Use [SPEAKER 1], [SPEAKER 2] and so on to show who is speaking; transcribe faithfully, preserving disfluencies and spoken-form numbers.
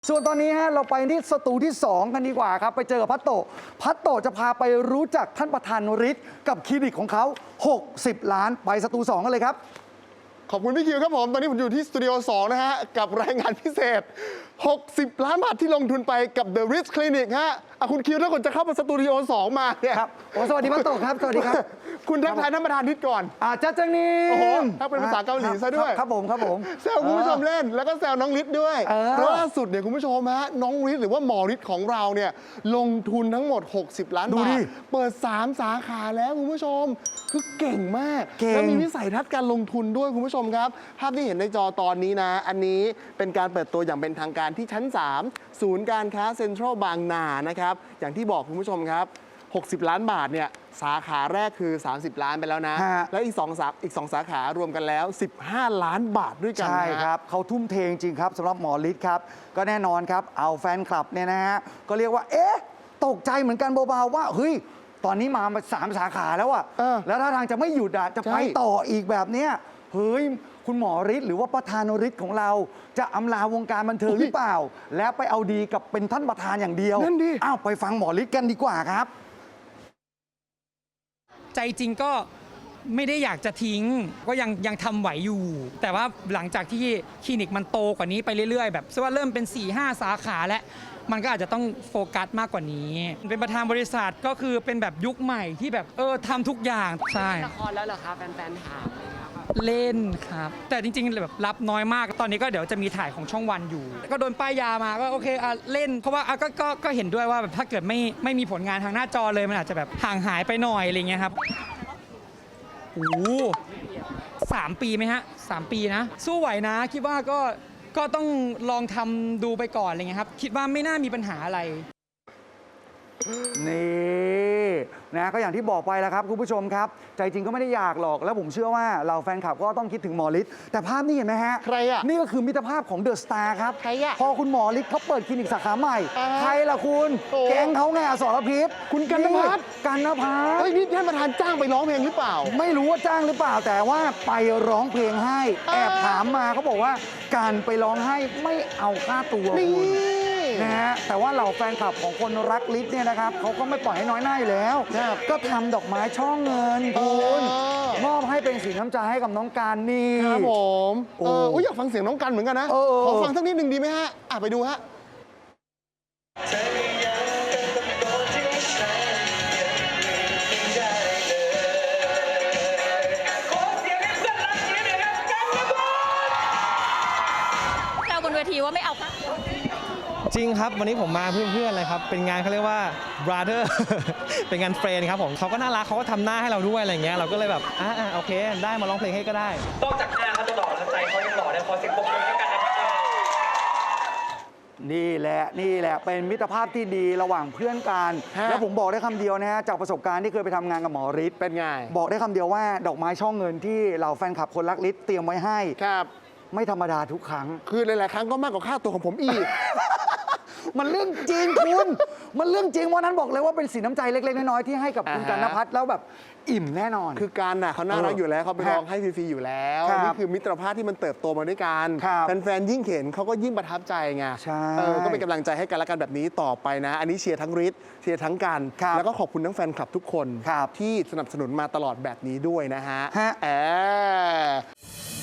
[SPEAKER 1] ส่วนตอนนี้ฮะเราไปที่สตูที่สองกันดีกว่าครับไปเจอกับพัตโตพัตโตจะพาไปรู้จักท่านประธานฤทธิ์กับคลินิกของเขาหกสิบล้านไปสตูสองกันเลยครับ
[SPEAKER 2] ขอบคุณพี่คิวครับผมตอนนี้ผมอยู่ที่สตูดิโอสองนะฮะกับรายงานพิเศษหกสิบล้านบาทที่ลงทุนไปกับ The Ritz Clinic ฮะอ่ะคุณคิวถ้าคนจะเข้ามาสตูดิโอสองมาเนี่ย
[SPEAKER 1] ครับโอ้สวัสดีพัตโตครับสวัสดีครับ
[SPEAKER 2] คุณทักทายท่านประธานนิดก่อน
[SPEAKER 1] อาจ้าจังนี่
[SPEAKER 2] โอ้โหถ้าเป็นภาษาเกาหลีซะด้วย
[SPEAKER 1] ครับผมครับผม
[SPEAKER 2] แซวคุณผู้ชมเล่นแล้วก็แซวน้องฤทธิ์ด้วยล่าสุดเนี่ยคุณผู้ชมฮะน้องฤทธิ์หรือว่าหมอฤทธิ์ของเราเนี่ยลงทุนทั้งหมดหกสิบล้านบาทเปิดสามสาขาแล้วคุณผู้ชมคือเก่งมากแล้วมีวิสัยทัศน์การลงทุนด้วยคุณผู้ชมครับภาพที่เห็นในจอตอนนี้นะอันนี้เป็นการเปิดตัวอย่างเป็นทางการที่ชั้นสามศูนย์การค้าเซ็นทรัลบางนานะครับอย่างที่บอกคุณผู้ชมครับหกสิบล้านบาทเนี่ยสาขาแรกคือสามสิบล้านไปแล้วนะและอีกสองสาอีกสองสาขารวมกันแล้วสิบห้าล้านบาทด้วยกัน
[SPEAKER 1] ใช่ครับเขาทุ่มเทจริงครับสำหรับหมอฤทธิ์ครับก็แน่นอนครับเอาแฟนคลับเนี่ยนะฮะก็เรียกว่าเอ๊ะตกใจเหมือนกันเบาๆว่าเฮ้ยตอนนี้มาสามสาขาแล้วอะแล้วถ้าทางจะไม่หยุดอะจะไปต่ออีกแบบเนี้ยเฮ้ยคุณหมอฤทธิ์หรือว่าประธานฤทธิ์ของเราจะอำลาวงการบันเทิงหรือเปล่าแล้วไปเอาดีกับเป็นท่านประธานอย่างเดียว
[SPEAKER 2] นั่นดิ
[SPEAKER 1] อ้าวไปฟังหมอฤทธิ์กันดีกว่าครับ
[SPEAKER 3] ใจจริงก็ไม่ได้อยากจะทิ้งก็ยังยังทำไหวอยู่ แต่ว่าหลังจากที่คลินิกมันโตกว่านี้ไปเรื่อยๆแบบว่าเริ่มเป็น สี่ห้า สาขาแล้วมันก็อาจจะต้องโฟกัสมากกว่านี้เป็นประธานบริษัทก็คือเป็นแบบยุคใหม่ที่แบบเออทำทุกอย่างใช่
[SPEAKER 4] ละครแล้วเหรอคะแฟนๆถาม
[SPEAKER 3] เล่นครับแต่จริงๆแบบรับน้อยมากตอนนี้ก็เดี๋ยวจะมีถ่ายของช่องวันอยู่ก็โดนป้ายยามาก็โอเคอ่ะเล่นเพราะว่าอ่ะก็ก็ก็เห็นด้วยว่าแบบถ้าเกิดไม่ไม่มีผลงานทางหน้าจอเลยมันอาจจะแบบห่างหายไปหน่อยอะไรเงี้ยครับโอ้สามปีไหมฮะสามปีนะสู้ไหวนะคิดว่าก็ก็ต้องลองทำดูไปก่อนอะไรเงี้ยครับคิดว่าไม่น่ามีปัญหาอะไร
[SPEAKER 1] นี่นะก็อย่างที่บอกไปแล้วครับคุณผู้ชมครับใจจริงก็ไม่ได้อยากหรอกแล้วผมเชื่อว่าเราแฟนคลับก็ต้องคิดถึงหมอฤทธิ์แต่ภาพนี้เห็นไหมฮะ
[SPEAKER 2] ใครอ่ะ
[SPEAKER 1] นี่ก็คือมิตรภาพของเดอะสตาร์ครับ
[SPEAKER 2] ใครอ่ะ
[SPEAKER 1] พอคุณหมอฤทธิ์เขาเปิดคลินิกสาขาใหม่ใครล่ะคุณแก๊งเขาไงอสรพิษ
[SPEAKER 2] คุณกันนภัส
[SPEAKER 1] กันนภัส
[SPEAKER 2] เฮ้ยนี่ท่านประธานจ้างไปร้องเพลงหรือเปล่า
[SPEAKER 1] ไม่รู้ว่าจ้างหรือเปล่าแต่ว่าไปร้องเพลงให้แอบถามมาเขาบอกว่าการไปร้องให้ไม่เอาค่าตัวคุณนะฮะแต่ว่าเหล่าแฟนคลับของคนรักฤทธิ์เนี่ยนะครับเขาก็ไม่ปล่อยให้น้อยหน้าอยู่แล้วก็ทำดอกไม้ช่อเงินคุณมอบให้เป็นสีน้ำใจให้กับน้องการนี่
[SPEAKER 2] ครับผมเอออยากฟังเสียงน้องกันเหมือนกันนะขอฟังสักนิดหนึ่งดีไหมฮะอ่ะไปดูฮะ
[SPEAKER 5] เราบนเวทีว่าไม่เอาค่ะ
[SPEAKER 6] จริงครับวันนี้ผมมาเพื่อนๆเลยครับเป็นงานเขาเรียกว่า brother เป็นงานเฟรนด์ครับผมเขาก็น่ารักเขาก็ทำหน้าให้เราด้วยอะไรเงี้ยเราก็เลยแบบอ่าโอเคได้มาร้องเพลงให้ก็ได้
[SPEAKER 7] นอกจากหน้าเขาจะหล่อแล้วใจเขายังหล่อได้พอเสียงปรบมือให้กันนะครับ
[SPEAKER 1] นี่แหละนี่แหละเป็นมิตรภาพที่ดีระหว่างเพื่อนกันแล้วผมบอกได้คำเดียวนะฮะจากประสบการณ์ที่เคยไปทำงานกับหมอฤทธิ์
[SPEAKER 2] เป็นไง
[SPEAKER 1] บอกได้คำเดียวว่าดอกไม้ช่อเงินที่เหล่าแฟนคลับคนรักฤทธิ์เตรียมไว้ให้
[SPEAKER 2] ครับ
[SPEAKER 1] ไม่ธรรมดาทุกครั้ง
[SPEAKER 2] คือหลายๆครั้งก็มากกว่าค่าตัวของผมอีก
[SPEAKER 1] มันเรื่องจริงคุณมันเรื่องจริงวันนั้นบอกเลยว่าเป็นสีน้ำใจเล็กๆน้อยๆที่ให้กับคุณกันนภัสแล้วแบบอิ่มแน่นอน
[SPEAKER 2] คือการน่ะเขาน่ารักอยู่แล้วเขาไปร้องให้ฟรีๆอยู่แล้วนี่คือมิตรภาพที่มันเติบโตมาด้วยกันแฟนๆยิ่งเห็นเขาก็ยิ่งประทับใจไงก็เป็นกำลังใจให้กันและกันแบบนี้ต่อไปนะอันนี้เชียร์ทั้งฤทธิ์เชียร์ทั้งกันแล้วก็ขอบคุณทั้งแฟนคลับทุกคนที่สนับสนุนมาตลอดแบบนี้ด้วยนะฮะแอบ